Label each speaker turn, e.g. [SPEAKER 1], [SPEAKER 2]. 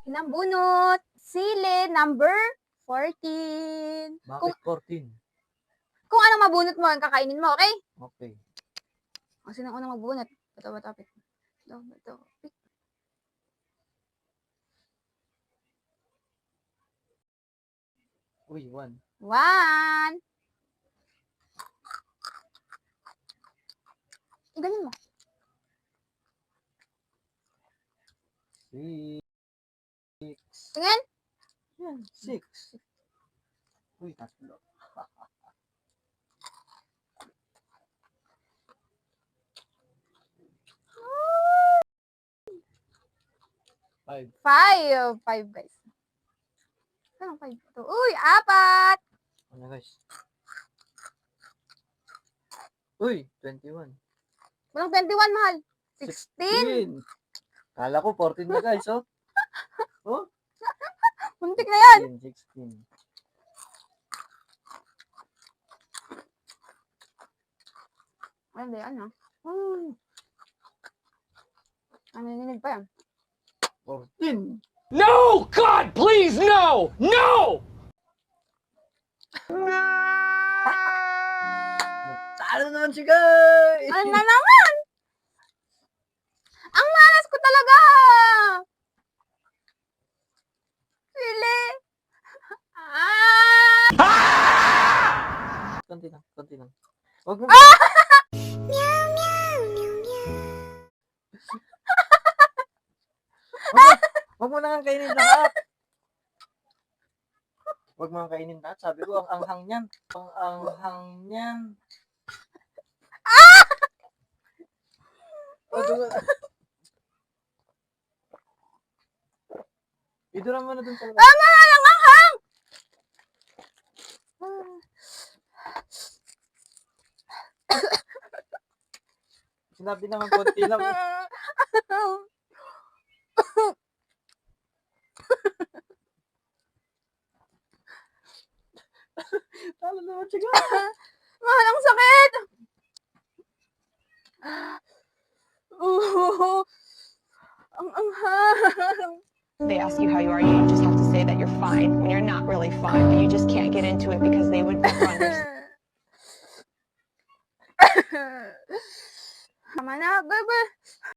[SPEAKER 1] Pinambunot. Sili, number 14.
[SPEAKER 2] Bakit 14?
[SPEAKER 1] Kung anong mabunot mo, ang kakainin mo, okay?
[SPEAKER 2] Okay.
[SPEAKER 1] O, sino ang unang magbunot? Bato, pick. Bato, pick.
[SPEAKER 2] Uy, 1.
[SPEAKER 1] 1. Ganyan mo.
[SPEAKER 2] 6.
[SPEAKER 1] Tingin.
[SPEAKER 2] Yan, 6. Uy, 3. 5.
[SPEAKER 1] 5, guys. Anong 5 ito? Uy, 4.
[SPEAKER 2] Ano guys? Uy, 21.
[SPEAKER 1] Walang 21, mahal. 16.
[SPEAKER 2] Kala ko 14 na guys, oh. Oh,
[SPEAKER 1] Muntik na yan.
[SPEAKER 2] 16.
[SPEAKER 1] Ano yan, ha? Ano ninig pa yan?
[SPEAKER 2] 14.
[SPEAKER 3] No! God, please, no! No!
[SPEAKER 2] Talo naman si guys!
[SPEAKER 1] Ano na naman? Ang malas ko talaga! Sili!
[SPEAKER 2] Konti lang. Wag mo. Wag mo na nga kainin lahat. Wag mo nga kainin lahat. Sabi ko, ang anghang niyan. Ang anghang niyan. Idura mo na dun sa labas.
[SPEAKER 1] Tama! Ang anghang!
[SPEAKER 2] Sinabi naman konti lang. Talo naman siya.
[SPEAKER 1] Mahal, ang sakit! Ang anghang!
[SPEAKER 4] They ask you how you are, you just have to say that you're fine when you're not really fine, but you just can't get into it because they would never understand.
[SPEAKER 1] Tama na, bebe.